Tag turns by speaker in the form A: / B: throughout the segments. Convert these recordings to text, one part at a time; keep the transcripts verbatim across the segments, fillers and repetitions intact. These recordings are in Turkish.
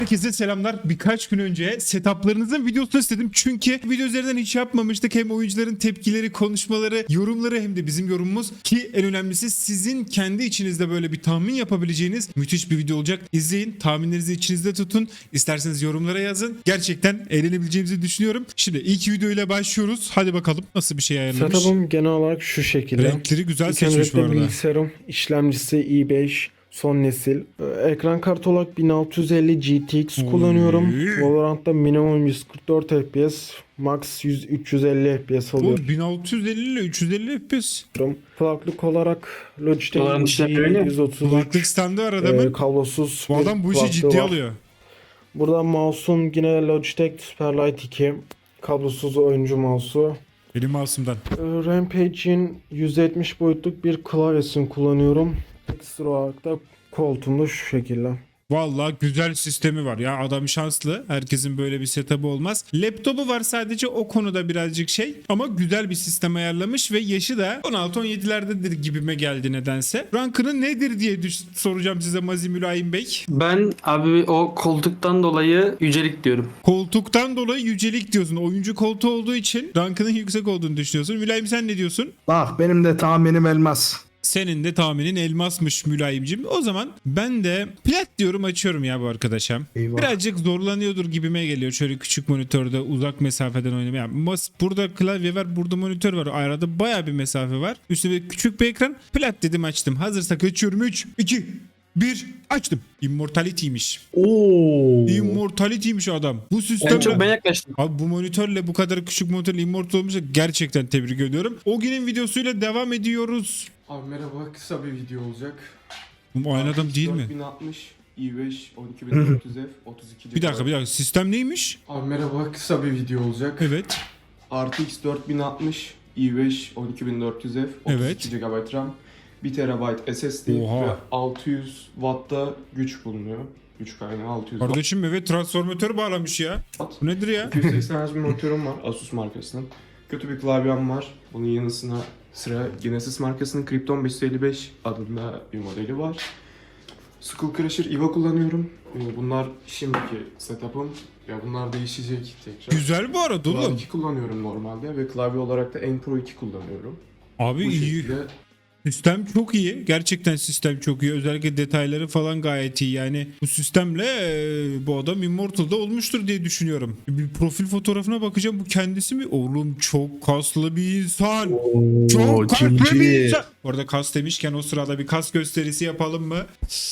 A: Herkese selamlar. Birkaç gün önce setuplarınızın videosunu istedim. Çünkü video üzerinden hiç yapmamıştık. Hem oyuncuların tepkileri, konuşmaları, yorumları hem de bizim yorumumuz. Ki en önemlisi sizin kendi içinizde böyle bir tahmin yapabileceğiniz müthiş bir video olacak. İzleyin, tahminlerinizi içinizde tutun. İsterseniz yorumlara yazın. Gerçekten eğlenebileceğimizi düşünüyorum. Şimdi ilk videoyla başlıyoruz. Hadi bakalım nasıl bir şey ayarlamış.
B: Setup'ım genel olarak şu şekilde.
A: Renkleri güzel
B: İlk
A: seçmiş bu
B: öncelikle
A: arada.
B: bilgisayarım, işlemcisi i beş son nesil. Ee, Ekran kartı olarak bin altı yüz elli G T X kullanıyorum.
A: Oy.
B: Valorant'ta minimum yüz kırk dört F P S, max yüz üç yüz elli F P S
A: Oğlum
B: alıyorum.
A: bin altı yüz elli ile üç yüz elli F P S.
B: Kulaklık olarak Logitech
C: Valorant işlemleri ne?
B: yüz otuz
A: Kulaklık
B: üç
A: standı var
B: e,
A: adamın.
B: kablosuz
A: Bu
B: bir
A: adam bu işi
B: kulaklığı
A: ciddiye
B: var.
A: alıyor.
B: Burada mouse'um yine Logitech Superlight iki. Kablosuz oyuncu mouse'u.
A: Benim mouse'umdan.
B: Ee, Rampage'in yüz yetmiş boyutluk bir klavyesini kullanıyorum. Ekstra olarak da koltuğumda şu şekilde.
A: Vallahi güzel sistemi var ya, adam şanslı. Herkesin böyle bir setup'ı olmaz. Laptopu var sadece, o konuda birazcık şey ama güzel bir sistem ayarlamış ve yaşı da on altı on yedilerdedir gibime geldi nedense. Rankını nedir diye düş- soracağım size Mazi Mülayim Bey.
C: Ben abi o koltuktan dolayı yücelik diyorum.
A: Koltuktan dolayı yücelik diyorsun. Oyuncu koltuğu olduğu için rankının yüksek olduğunu düşünüyorsun. Mülayim sen ne diyorsun?
D: Bak benim de tahminim elmas.
A: Senin de tahminin elmasmış Mülayimcim. O zaman ben de plat diyorum, açıyorum ya bu arkadaşa.
D: Eyvah.
A: Birazcık zorlanıyordur gibime geliyor şöyle küçük monitörde uzak mesafeden oynamaya. Yani mas- burada klavye var, burada monitör var. Arada baya bir mesafe var. Üstüne küçük bir ekran. Plat dedim, açtım. Hazırsak açıyorum. üç, iki, bir, açtım. Immortality'ymiş.
D: Oo.
A: Immortality'ymiş adam. Bu
C: En
A: sistemle...
C: çok ben yaklaştım.
A: Abi bu monitörle bu kadar küçük monitörle immortal olmuşsa gerçekten tebrik ediyorum. O günün videosuyla devam ediyoruz.
E: Abi merhaba, kısa bir video olacak.
A: Bu aynı adam değil mi?
E: dört bin altmış, i beş, on iki bin dört yüz F, otuz iki gigabayt.
A: Bir dakika bir dakika, sistem neymiş?
E: Abi merhaba, kısa bir video olacak.
A: Evet.
E: R T X dört bin altmış, i beş, on iki bin dört yüz F, otuz iki
A: Evet.
E: gigabayt RAM, bir terabayt S S D
A: Oha.
E: ve altı yüz Watt'ta güç bulunuyor. Güç kaynağı altı yüz Watt.
A: Kardeşim evet, transformatör bağlamış ya. Bu nedir ya?
E: iki yüz seksen Hz bir monitörüm var Asus markasının. Kötü bir klavyem var. Bunun yanısına sıra Genesis markasının Krypton beş yüz elli beş adında bir modeli var. Skull Crusher E V A kullanıyorum. Ee, Bunlar şimdiki setup'ım. Ya bunlar değişecek tekrar.
A: Güzel bu arada
E: Cloud
A: oğlum.
E: iki kullanıyorum normalde ve klavye olarak da N Pro iki kullanıyorum.
A: Abi
E: Bu
A: iyi.
E: şekilde
A: Sistem çok iyi. Gerçekten sistem çok iyi. Özellikle detayları falan gayet iyi. Yani bu sistemle e, bu adam Immortal'da olmuştur diye düşünüyorum. Bir profil fotoğrafına bakacağım. Bu kendisi mi? Oğlum çok kaslı bir insan. Çok kaslı bir
D: cici.
A: insan. Orada kas demişken o sırada bir kas gösterisi yapalım mı?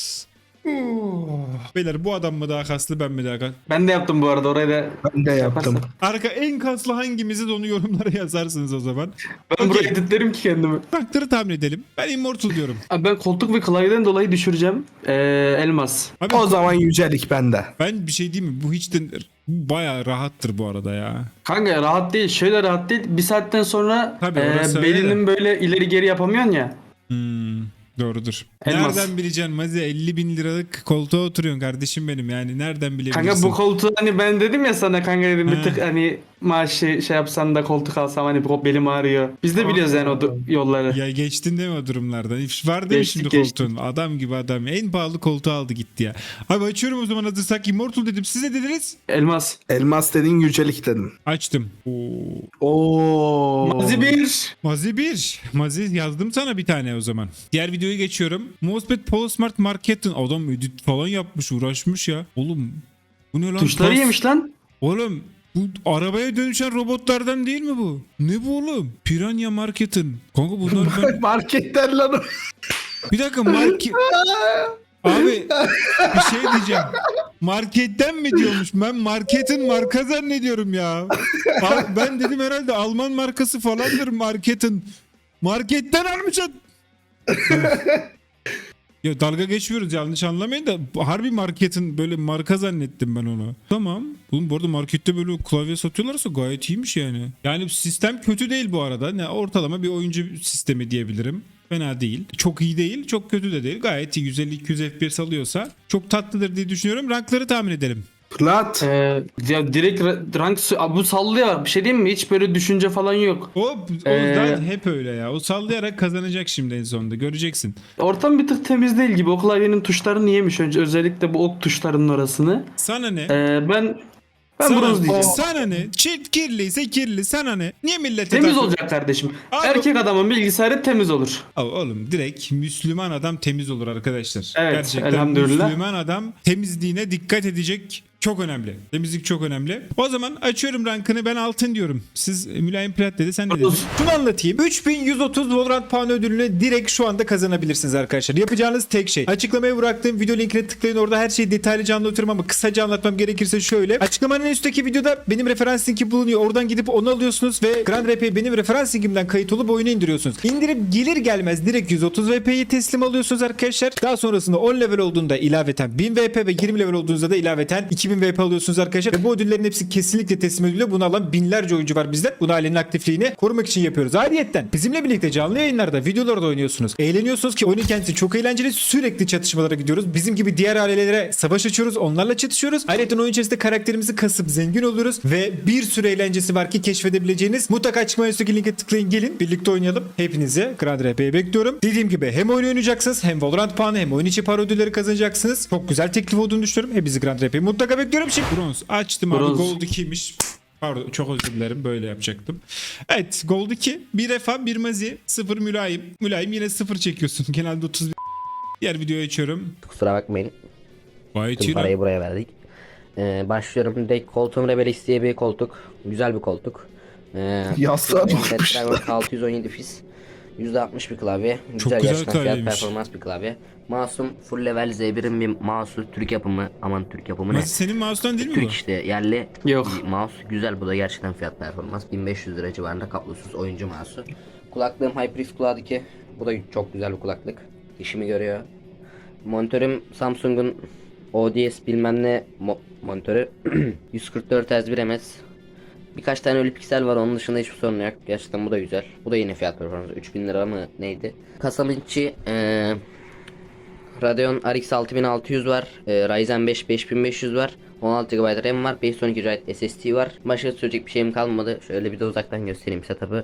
A: Beyler, bu adam mı daha kaslı, ben mi daha kaslı?
C: Ben de yaptım bu arada, orayı da
D: Ben de yaptım.
C: yaparsan.
A: Arka en kaslı hangimizi de onu yorumlara yazarsınız o zaman.
C: Ben
A: Okey.
C: burayı editlerim ki kendimi.
A: Rankları tahmin edelim. Ben Immortal diyorum.
C: Abi ben koltuk ve klavyeden dolayı düşüreceğim. Ee, elmas.
A: Abi
D: O zaman yücelik bende.
A: ben bir şey diyeyim mi? Bu hiç de bayağı rahattır bu arada ya.
C: Kanka rahat değil. Şöyle rahat değil. Bir saatten sonra
A: Tabii,
C: ee,
A: orası öyle
C: belinin böyle ileri geri yapamıyorsun ya.
A: Hmm, doğrudur.
C: Elmas.
A: Nereden bileceksin Mazi? elli bin liralık koltuğa oturuyorsun kardeşim benim, yani nereden bilebilirsin?
C: Kanka bu koltuğu hani ben dedim ya sana, kanka dedim
A: He.
C: bir tık hani maaşı şey yapsan da koltuk alsam hani bu belim ağrıyor. Biz de biliyoruz yani o du- yolları.
A: Ya geçtin değil mi o durumlardan? Var değil mi
C: Geçtik,
A: şimdi
C: geçtik.
A: koltuğun? Adam gibi adam. En pahalı koltuğu aldı gitti ya. Abi açıyorum o zaman, hazırsak Immortal dedim. Siz ne dediniz?
C: Elmas.
D: Elmas dedin, yücelik dedin.
A: Açtım. Oo.
D: Oo.
C: Mazi bir.
A: Mazi bir. Mazi yazdım sana bir tane o zaman. Diğer videoya geçiyorum. Mousepad Polosmart Market'in adam edit falan yapmış, uğraşmış ya. Oğlum bu ne lan?
C: Tuşları
A: Tas-
C: yemiş lan.
A: Oğlum bu arabaya dönüşen robotlardan değil mi bu? Ne bu oğlum? Piranha Market'in. Kanka bunlar ben...
D: Marketten lan o.
A: Bir dakika market... Abi bir şey diyeceğim. Marketten mi diyormuş? Ben marketin marka zannediyorum ya. Abi ben dedim herhalde Alman markası falandır marketin. Marketten almışsın. Ya dalga geçmiyoruz, yanlış anlamayın da harbi marketin böyle marka zannettim ben onu. Tamam. Oğlum bu arada markette böyle klavye satıyorlarsa gayet iyiymiş yani. Yani sistem kötü değil bu arada. Ne, ortalama bir oyuncu sistemi diyebilirim. Fena değil. Çok iyi değil, çok kötü de değil. Gayet iyi. yüz elli iki yüz F P S alıyorsa çok tatlıdır diye düşünüyorum. Rankları tahmin edelim.
D: Plat.
C: Ee, ya direkt ra- rank Abi bu sallıyor. Bir şey diyeyim mi? Hiç böyle düşünce falan yok.
A: O, o
C: Ee,
A: zaten hep öyle ya. O sallayarak kazanacak şimdi en sonunda. Göreceksin.
C: Ortam bir tık temiz değil gibi. O klavyenin tuşlarını yemiş önce. Özellikle bu ok tuşlarının orasını.
A: Sana ne?
C: Ee, ben ben
A: sana,
C: bronz diyeceğim.
A: Sana ne? Çift kirliyse kirli. Sana ne? Niye millete
C: Temiz
A: takıl-
C: olacak kardeşim.
A: Abi-
C: Erkek adamın bilgisayarı temiz olur.
A: Aa, oğlum direkt Müslüman adam temiz olur arkadaşlar.
C: Evet,
A: Gerçekten
C: elhamdülillah.
A: Müslüman adam temizliğine dikkat edecek. Çok önemli. Temizlik çok önemli. O zaman açıyorum rankını, ben altın diyorum. Siz mülayim plat dedi, sen ne dedin?
C: Otuz.
A: Şunu anlatayım. üç bin yüz otuz Valorant puanı ödülünü direkt şu anda kazanabilirsiniz arkadaşlar. Yapacağınız tek şey. Açıklamaya bıraktığım video linkine tıklayın. Orada her şeyi detaylıca anlatıyorum ama kısaca anlatmam gerekirse şöyle. Açıklamanın en üstteki videoda benim referans linki bulunuyor. Oradan gidip onu alıyorsunuz ve Grand R P'ye benim referans linkimden kayıt olup oyunu indiriyorsunuz. İndirip gelir gelmez direkt yüz otuz V P'yi teslim alıyorsunuz arkadaşlar. Daha sonrasında on level olduğunda ilaveten bin V P ve yirmi level olduğunuzda da ilaveten iki bin V P alıyorsunuz arkadaşlar. Ve bu ödüllerin hepsi kesinlikle teslim ediliyor. Bunu alan binlerce oyuncu var bizde. Bunu ailenin aktifliğini korumak için yapıyoruz. Ayrıyeten bizimle birlikte canlı yayınlarda, videolarda oynuyorsunuz. Eğleniyorsunuz ki oyunun kendisi çok eğlenceli. Sürekli çatışmalara gidiyoruz. Bizim gibi diğer ailelere savaş açıyoruz. Onlarla çatışıyoruz. Ayrıca oyun içerisinde karakterimizi kasıp zengin oluyoruz. Ve bir sürü eğlencesi var ki keşfedebileceğiniz. Mutlaka açıklama üstteki linke tıklayın, gelin. Birlikte oynayalım. Hepinizi Grand R P'ye bekliyorum. Dediğim gibi hem oyun oynayacaksınız, hem Valorant puanı, hem oyun içi para ödülleri kazanacaksınız. Çok güzel teklif olduğunu düşünüyorum. Hepinizi Grand R P'ye mutlaka bekliyorum. Şimdi bronz açtım abi.
C: Bronz.
A: Gold ikiymiş. Pardon, çok özür dilerim, böyle yapacaktım. Evet, Gold iki. Bir Refa, bir Mazi, sıfır Mülayim. Mülayim yine sıfır çekiyorsun. Genelde otuz bir. Diğer videoyu açıyorum.
F: Kusura bakmayın.
A: Vay
F: Tüm
A: çiğ
F: parayı buraya verdik. Ee, başlıyorum. Direkt koltuğum Rebelix diye bir koltuk. Güzel bir koltuk. Ee,
D: Yastığa
F: Snapdragon
D: bakmışlar.
F: altı yüz on yedi fis. yüzde altmış bir klavye.
A: Çok
F: Güzel,
A: güzel
F: gerçekten fiyat
A: klavyeymiş.
F: performans bir klavye. Mouse'um full level Z bir'in bir mouse'u. Türk yapımı. Aman Türk yapımı ne?
A: Mazi senin mouse'dan değil mi bu?
F: Türk işte yerli
C: Yok.
F: bir mouse. Güzel, bu da gerçekten fiyat performans. bin beş yüz lira civarında kablosuz oyuncu mouse'u. Kulaklığım HyperX Cloud iki. Bu da çok güzel bir kulaklık. İşimi görüyor. Monitörüm Samsung'un O D S bilmem ne mo- monitörü. yüz kırk dört hertz bir M S. Birkaç tane ölü piksel var, onun dışında hiçbir sorun yok. Gerçekten bu da güzel. Bu da yine fiyat performansı. üç bin lira mı neydi? Kasamın içi eee Radeon R X altı bin altı yüz var. Eee, Ryzen beş beş bin beş yüz var. on altı gigabayt RAM var. beş yüz on iki gigabayt S S D var. Başka söyleyecek bir şeyim kalmadı. Şöyle bir de uzaktan göstereyim setup'ı.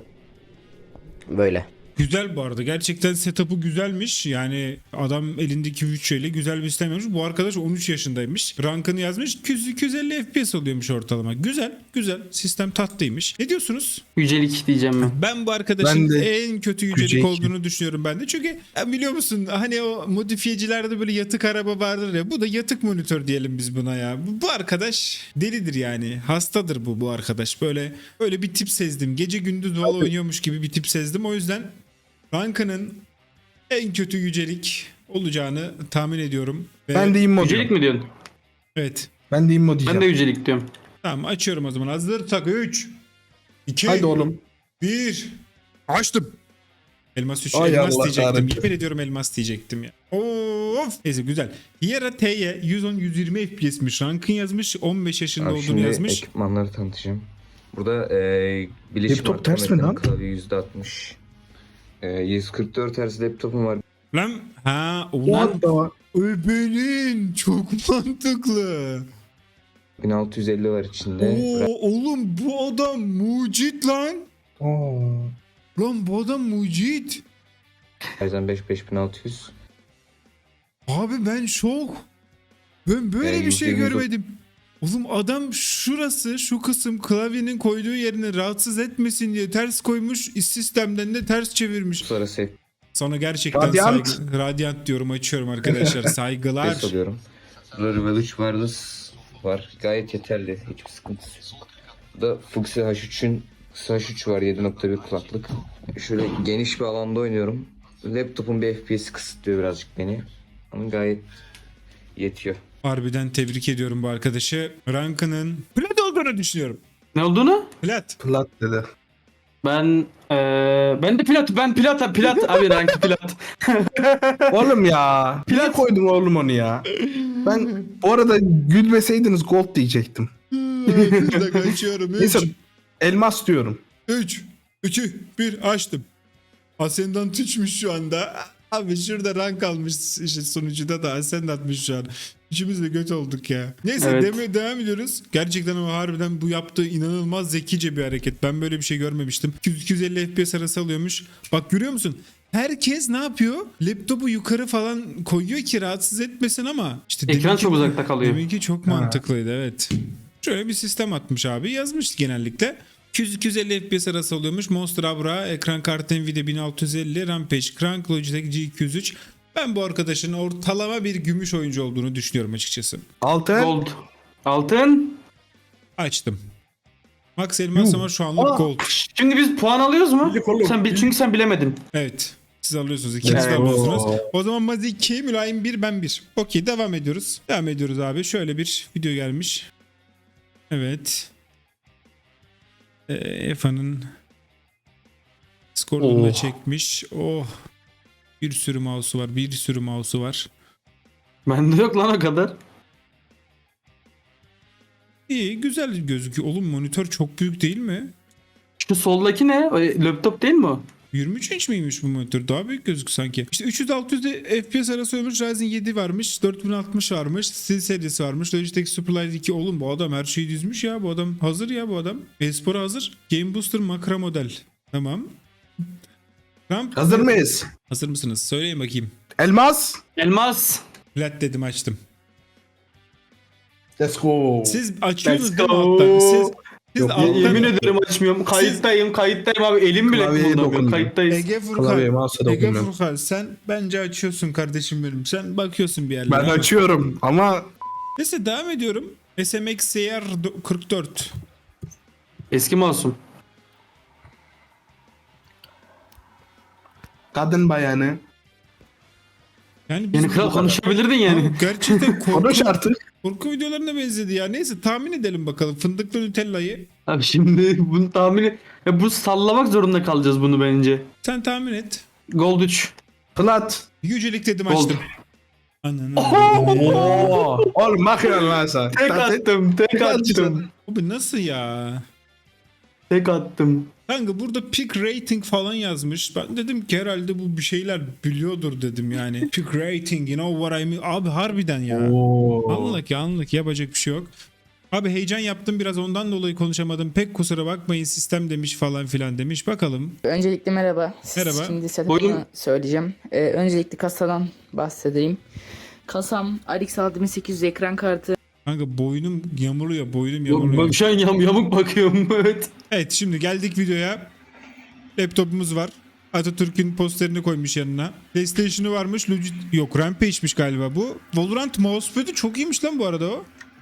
F: Böyle.
A: Güzel bu arada. Gerçekten setup'ı güzelmiş. Yani adam elindeki bütçeyle güzel bir sistem yapmış. Bu arkadaş on üç yaşındaymış. Rankını yazmış. iki yüz iki yüz elli F P S oluyormuş ortalama. Güzel. Güzel. Sistem tatlıymış. Ne diyorsunuz?
C: Yücelik diyeceğim ben.
A: Ben bu arkadaşın
D: Ben de
A: en kötü yücelik
D: yücelik.
A: olduğunu düşünüyorum ben de. Çünkü ya biliyor musun, hani o modifiyecilerde böyle yatık araba vardır ya. Bu da yatık monitör diyelim biz buna ya. Bu, bu arkadaş delidir yani. Hastadır bu bu arkadaş. Böyle böyle bir tip sezdim. Gece gündüz Valo oynuyormuş gibi bir tip sezdim. O yüzden rankının en kötü yücelik olacağını tahmin ediyorum. Ve-
D: Ben de immo
C: Yücelik
D: diyorum.
C: mi diyorsun?
A: Evet.
D: Ben de immo diyeceğim.
C: Ben de yücelik diyorum.
A: Tamam, açıyorum o zaman. Hazırsak üç iki
D: Haydi oğlum.
A: bir Açtım. Elmas üç.
D: Ay
A: Elmas
D: Allah
A: diyecektim.
D: kahretsin.
A: Yemin ediyorum elmas diyecektim ya. Of. Neyse güzel. Hiera T'ye yüz on yüz yirmi F P S'miş. Rankın yazmış. on beş yaşında
G: Abi
A: olduğunu
G: şimdi
A: yazmış.
G: ekipmanları tanıtacağım. Burada e, Bilişim
D: Laptop ters mi lan?
G: Klavye yüzde altmış. E, yüz kırk dört Hz laptopum var.
A: Lan ha ulan
D: What the-
A: öbenin çok mantıklı.
G: bin altı yüz elli var içinde.
A: Oo, oğlum bu adam mucit lan.
D: Oo.
A: Lan bu adam mucit.
G: Ryzen beş beş bin altı yüz.
A: Abi ben şok. Ben böyle
G: Yani
A: bir şey
G: yüzde yüz o-
A: görmedim. Oğlum adam şurası, şu kısım klavyenin koyduğu yerini rahatsız etmesin diye ters koymuş. Sistemden de ters çevirmiş.
G: Sonra safe
A: Sonra gerçekten
D: Radyant.
A: saygı... Radyant diyorum, açıyorum arkadaşlar. Saygılar.
G: ses alıyorum. Burada Rebel üç wireless var. Gayet yeterli. Hiçbir sıkıntısı yok. Burada Fuxi H üçün H üç var. yedi nokta bir kulaklık. Şöyle geniş bir alanda oynuyorum. Laptopun bir F P S'i kısıtlıyor birazcık beni. Ama gayet yetiyor.
A: Harbiden tebrik ediyorum bu arkadaşı. Rankının plat olduğunu düşünüyorum.
C: Ne olduğunu?
A: Plat.
D: Plat dedi.
C: Ben eee ben de plat ben plat plat abi rankı plat.
D: Oğlum ya. Niye koydun oğlum onu ya? Ben bu arada gülmeseydiniz gold diyecektim.
A: Bir dakika açıyorum.
D: Neyse elmas diyorum.
A: üç, iki, bir açtım. Ascendant üçmüş şu anda. Abi şurada rank almış işte sonucuda da sen de atmış şu an. Üçümüz de göt olduk ya. Neyse
C: Evet.
A: demeye devam ediyoruz. Gerçekten ama harbiden bu yaptığı inanılmaz zekice bir hareket. Ben böyle bir şey görmemiştim. iki yüz iki yüz elli F P S arası alıyormuş. Bak görüyor musun? Herkes ne yapıyor? Laptopu yukarı falan koyuyor ki rahatsız etmesin ama işte
C: Ekran
A: deminki-
C: çok uzakta kalıyor.
A: Deminki çok mantıklıydı evet. Şöyle bir sistem atmış abi. Yazmış genellikle. iki yüz iki yüz elli F P S arası alıyormuş. Monster Abra, ekran kartı Nvidia bin altı yüz elli, Rampage Crank, Logitech G iki yüz üç. Ben bu arkadaşın ortalama bir gümüş oyuncu olduğunu düşünüyorum açıkçası.
D: Altın.
C: Gold. Altın.
A: Açtım. Max Elmas ama şu anlık
C: Aa,
A: gold.
C: Şimdi biz puan alıyoruz mu? Sen bil- çünkü sen bilemedin.
A: Evet. Siz alıyorsunuz. İkiniz de
C: Evet.
A: alıyorsunuz. O zaman Mazi iki, Mülayim bir, ben bir. Okey devam ediyoruz. Devam ediyoruz abi. Şöyle bir video gelmiş. Evet. Ee, Efa'nın skorunu da
C: Oh.
A: çekmiş. Oh. Bir sürü mouse'u var. Bir sürü mouse'u var.
C: Bende yok lan o kadar.
A: İyi güzel gözüküyor. Oğlum monitör çok büyük değil mi?
C: Şu soldaki ne? O, laptop değil mi o?
A: yirmi üç inç miymiş bu monitör? Daha büyük gözüküyor sanki. İşte üç yüz altı yüz F P S arası olmuş. Ryzen yedi varmış. dört bin altmış varmış. Steel serisi varmış. Logitech Superlight iki. Oğlum bu adam her şeyi dizmiş ya. Bu adam hazır ya bu adam. Espor'a hazır. Game Booster Makro model. Tamam. Ramp.
D: Hazır mıyız?
A: Hazır mısınız? Söyleyin bakayım.
D: Elmas.
C: Elmas.
A: Plat dedim açtım.
D: Let's go.
A: Siz açıyorsunuz
C: Let's
A: değil mi
C: go.
A: alttan? Siz, siz
D: Yok,
A: alttan...
C: Yemin ederim açmıyorum. Kayıttayım, kayıttayım abi. Elim bile
D: Klavyeye
C: kımıldamıyor.
D: dokundum.
C: Kayıttayız.
A: Ege
D: Klavyeye
A: Furkan.
D: mouse'a
A: Ege
D: dokunmuyorum.
A: Furkan sen bence açıyorsun kardeşim benim. Sen bakıyorsun bir yerlere.
D: Ben
A: ama-
D: açıyorum ama
A: Neyse devam ediyorum. S M X C R kırk dört.
C: Eski masum.
D: kadın bayanı.
A: Yani biz
C: Yeni kral
A: bu kadar-
C: konuşabilirdin yani.
A: Abi gerçekten korku,
D: Konuş artık.
A: korku videolarına benzedi ya. Neyse tahmin edelim bakalım. Fındıklı Nutella'yı.
C: Abi şimdi bunu tahmini... Ya bu sallamak zorunda kalacağız bunu bence.
A: Sen tahmin et.
C: Gold üç.
D: Plat.
A: Yücelik dedim
C: Gold.
A: açtım. Ananı.
D: Oo. Oğlum bakıyorsun lan sen.
C: Tek attım, tek attım.
A: Abi nasıl ya?
C: Tek attım.
A: Kanka burada pick rating falan yazmış. Ben dedim ki herhalde bu bir şeyler biliyordur dedim yani. Pick rating you know what I mean. Abi harbiden ya.
D: Oo.
A: Anlık ya anlık yapacak bir şey yok. Abi heyecan yaptım biraz ondan dolayı konuşamadım. Pek kusura bakmayın sistem demiş falan filan demiş. Bakalım.
H: Öncelikle merhaba. Siz
A: Merhaba.
H: Şimdi setup'ını
C: Buyurun.
H: söyleyeceğim. Ee, öncelikle kasadan bahsedeyim. Kasam R X altı bin sekiz yüz ekran kartı.
A: Kanka boynum yamuluyor boynum
C: Yok,
A: yamuluyor.
C: bak şu an yam, yamuk bakıyorum. Evet.
A: Evet şimdi geldik videoya. Laptopumuz var. Atatürk'ün posterini koymuş yanına. PlayStation'ı varmış. Logit yok Rampage'miş galiba bu. Valorant mousepad'i çok iyiymiş lan bu arada o.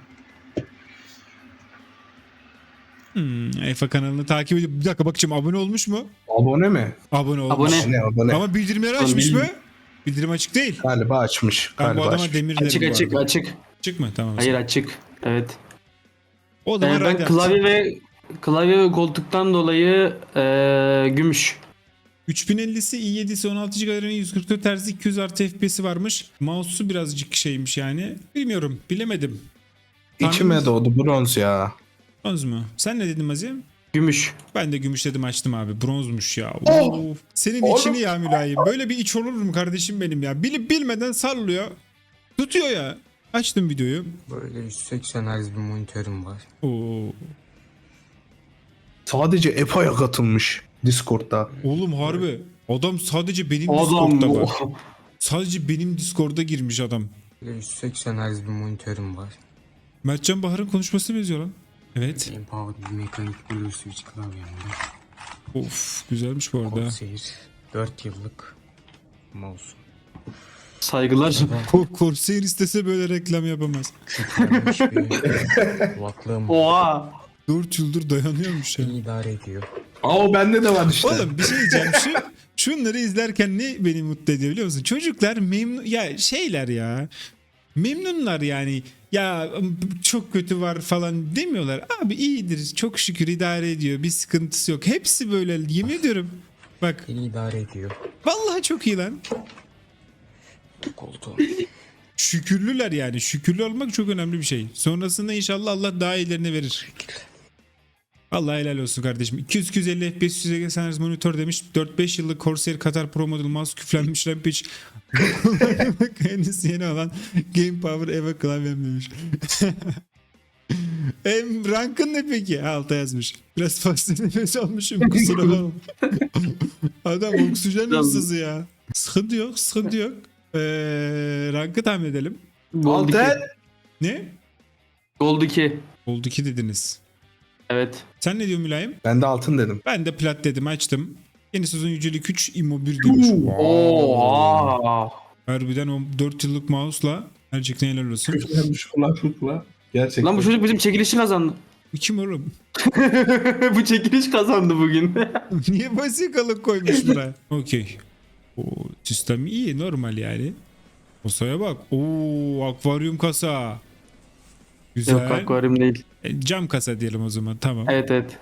A: Hmm, Efa kanalını takip edip bir dakika bakacağım abone olmuş mu?
D: Abone mi?
A: Abone olmuş.
C: Abone.
D: Ne abone?
A: Ama bildirimleri açmış mı? Bildirim açık değil.
D: Galiba açmış.
A: Ben bu
D: Galiba
A: adama
D: açmış.
A: demir derim
C: Açık
A: bu
C: açık
A: arada.
C: açık.
A: Açık mı? Tamam.
C: Hayır açık. Evet.
A: O
C: Ee,
A: zaman
C: ben
A: radyo
C: klavye ve klavye ve koltuktan dolayı ee, gümüş.
A: üç bin ellisi, i yedisi, on altı gigabayt yüz kırk dört Hz iki yüz artı F P S'i varmış. Mouse'u birazcık şeymiş yani. Bilmiyorum. Bilemedim.
D: İçime doğdu bronz ya.
A: Bronz mu? Sen ne dedin Azim?
C: Gümüş.
A: Ben de gümüş dedim açtım abi. Bronzmuş ya. Of. Senin içini ya mülayim. Böyle bir iç olur mu kardeşim benim ya? Bilip bilmeden sallıyor. Tutuyor ya. Açtım videoyu.
I: Böyle yüz seksen Hz bir monitörüm var.
A: Oo.
D: Sadece E P A'ya katılmış Discord'da.
A: Oğlum harbi. Adam sadece benim
C: Adam
A: Discord'da
C: bu.
A: var. Sadece benim Discord'a girmiş adam.
I: Böyle yüz seksen Hz bir monitörüm var.
A: Mertcan Bahar'ın konuşmasına benziyor lan. Evet.
I: Empowered bir mekanik Blue Switch klavyem var.
A: Of güzelmiş bu arada.
I: Corsair dört yıllık mouse.
C: Saygılar.
A: Ko- Corsair istese böyle reklam yapamaz.
I: Küçülmüş bir kulaklığım var.
C: Oha.
A: dört yıldır dayanıyormuş ya.
I: İyi idare ediyor.
D: Aa o bende de var işte.
A: Oğlum bir şey diyeceğim. Şu, şunları izlerken ne beni mutlu ediyor biliyor musun? Çocuklar memnun ya şeyler ya. Memnunlar yani. Ya çok kötü var falan demiyorlar. Abi iyidir. Çok şükür idare ediyor. Bir sıkıntısı yok. Hepsi böyle yemin ediyorum. Bak
I: İyi idare ediyor.
A: vallahi çok iyi lan.
I: Koltuğum.
A: Şükürlüler yani. Şükürlü olmak çok önemli bir şey. Sonrasında inşallah Allah daha iyilerini verir. Allah helal olsun kardeşim. iki yüz iki yüz elli F P S yüz seksen Hz monitör demiş. dört beş yıllık Corsair Qatar Pro model mouse küflenmiş Rampage. Bak henüz yeni olan Game Power Eva klavyem demiş. Em rankın ne peki? Alta yazmış. Biraz fazla nefes almışım kusura bakma. Adam oksijen hırsızı ya. Sıkıntı yok, sıkıntı yok. Ee, rankı tahmin edelim.
C: Gold iki.
D: Altı.
A: Ne?
C: Gold iki.
A: Oldu ki dediniz.
C: Evet.
A: Sen ne diyorsun Mülayim?
D: Ben de altın dedim.
A: Ben de plat dedim, açtım. Yeni sezon yücelik üç Immo bir demiş.
C: Oha.
A: Harbiden o dört yıllık mouse'la gerçekten helal olsun.
D: Küflenmiş kulaklıkla. Gerçekten.
C: Lan bu çocuk bizim çekilişi kazandı.
A: Bu kim oğlum?
C: Bu çekiliş kazandı bugün.
A: Niye basikalık koymuş buraya? Okey. O sistem iyi, normal yani. Kasaya bak. Oo, akvaryum kasa. Güzel.
C: Yok akvaryum değil.
A: E, cam kasa diyelim o zaman, tamam.
C: Evet evet.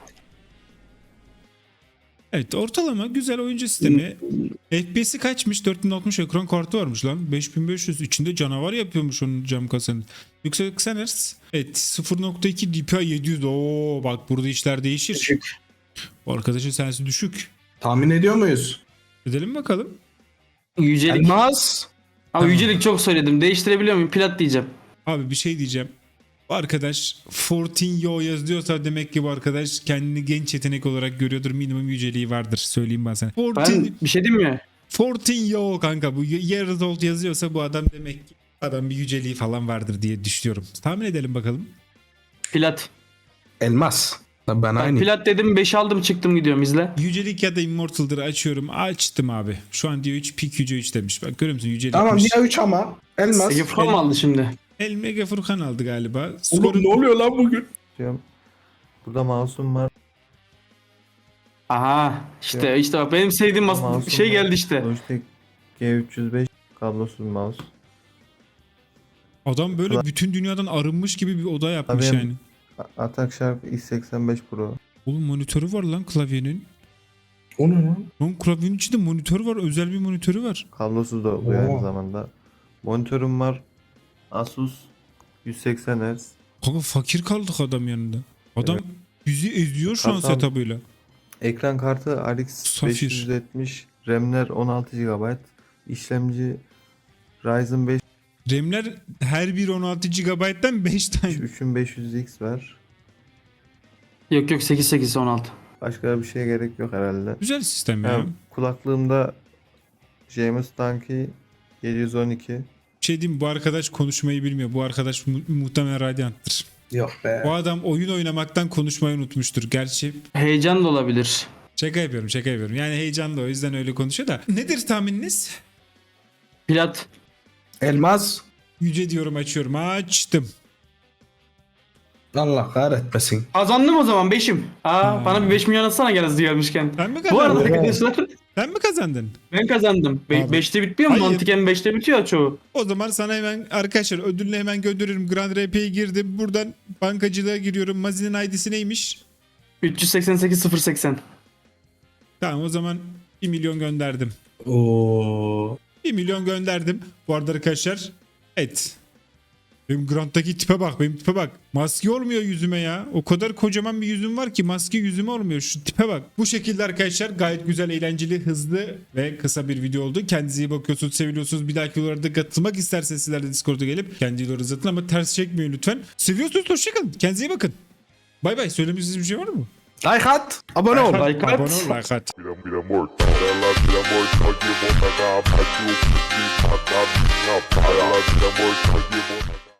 A: Evet, ortalama güzel oyuncu sistemi. F P S'i kaçmış? dört bin altmış ekran kartı varmış lan. beş bin beş yüz içinde canavar yapıyormuş onun cam kasanın. Yüksek seksen Hz. Evet, sıfır nokta iki D P I yedi yüz. Oo bak, burada işler değişir.
C: Düşük.
A: Bu arkadaşın sensi düşük.
D: Tahmin ediyor muyuz?
A: Edelim bakalım.
C: Yücelik.
D: Elmas.
C: Ama
A: Tamam.
C: yücelik çok söyledim. Değiştirebiliyor muyum? Plat diyeceğim.
A: Abi bir şey diyeceğim. Bu arkadaş on dört yo yazıyorsa demek ki bu arkadaş kendini genç yetenek olarak görüyordur. Minimum yüceliği vardır. Söyleyeyim ben sana. on dört,
C: Ben bir şey diyeyim mi?
A: on dört yo kanka. Bu years old yazıyorsa bu adam demek ki adam bir yüceliği falan vardır diye düşünüyorum. Tahmin edelim bakalım.
C: Plat.
D: Elmas. Lan Ben
C: Ben
D: aynı.
C: plat dedim, beş aldım çıktım gidiyorum izle.
A: Yücelik ya da Immortal'dır, açıyorum. Açtım abi. Şu an diyor üç, Peak Yüce üç demiş. Bak görüyor musun? Yücelikmiş.
D: Tamam diğer üç ama. Elmas.
C: Ege Furkan mı aldı şimdi?
A: El Mega Furkan aldı galiba.
D: Oğlum
A: Skoru...
D: ne oluyor lan bugün?
J: Burada mouse'um var.
C: Aha işte işte bak benim sevdiğim mas-
J: Mouse'um
C: şey
J: var.
C: geldi işte.
J: Logitech G üç yüz beş kablosuz mouse.
A: Adam böyle bütün dünyadan arınmış gibi bir oda yapmış
J: Tabii.
A: yani.
J: A- Atak Sharp X seksen beş Pro.
A: Oğlum monitörü var lan klavyenin.
D: O ne lan?
A: Lan klavyenin içinde monitör var. Özel bir monitörü var.
J: Kablosuz da oluyor
D: Oo.
J: aynı zamanda. Monitörüm var. Asus yüz seksen Hz.
A: Kanka fakir kaldık adam yanında. Adam yüzü eziyor şu an
J: Kasam-
A: setup'ıyla.
J: Ekran kartı R X
A: Safir.
J: beş yüz yetmiş. RAM'ler on altı gigabayt. İşlemci Ryzen beş
A: RAM'ler her bir on altı gigabayttan beş tane.
J: üç bin beş yüz X var.
C: Yok yok sekiz sekiz on altı.
J: Başka bir şeye gerek yok herhalde.
A: Güzel sistem ya.
J: Ha, kulaklığımda James Dunkey yedi yüz on iki.
A: Bir şey diyeyim mi? Bu arkadaş konuşmayı bilmiyor. Bu arkadaş mu- muhtemelen radyanttır.
D: Yok be.
A: Bu adam oyun oynamaktan konuşmayı unutmuştur. Gerçi
C: Heyecan da olabilir.
A: şaka yapıyorum, şaka yapıyorum. Yani heyecanlı, o yüzden öyle konuşuyor da. Nedir tahmininiz?
C: Plat.
D: Elmas.
A: Yüce diyorum, açıyorum. Açtım.
D: Allah kahretmesin.
C: Kazandım o zaman beşim. Aa,
A: Aa.
C: bana bir beş milyon atsana gel hızlı gelmişken.
A: Sen mi
C: Bu arada
A: kazandın?
C: arkadaşlar
A: Sen mi kazandın?
C: ben kazandım.
A: Abi.
C: beşte bitmiyor mu?
A: Hayır.
C: Mantıken beşte bitiyor çoğu.
A: O zaman sana hemen arkadaşlar ödülünü hemen gönderirim. Grand R P'ye girdim. Buradan bankacılığa giriyorum. Mazi'nin I D'si neymiş?
C: üç yüz seksen sekiz sıfır seksen.
A: Tamam, o zaman bir milyon gönderdim.
D: Oo.
A: bir milyon gönderdim. Bu arada arkadaşlar. Evet. Benim Grand'daki tipe bak. Benim tipe bak. Maske olmuyor yüzüme ya. O kadar kocaman bir yüzüm var ki maske yüzüme olmuyor. Şu tipe bak. Bu şekilde arkadaşlar gayet güzel, eğlenceli, hızlı ve kısa bir video oldu. Kendinize iyi bakıyorsunuz, seviyorsunuz. Bir dahaki videolarda katılmak isterseniz sizler de Discord'a gelip kendi videolarınızı atın ama ters çekmeyin lütfen. Seviyorsunuz, hoşçakalın. Kendinize iyi bakın. Bay bay. Söylemek istediğiniz bir şey var mı?
D: Like at. Abone ol.
C: Like at.
A: Abone ol, like at.
K: Mira, mira, amor, ela tira amor, cague, bota, partiu, para, para, para, para, para, para, para, para, para, para, para, para,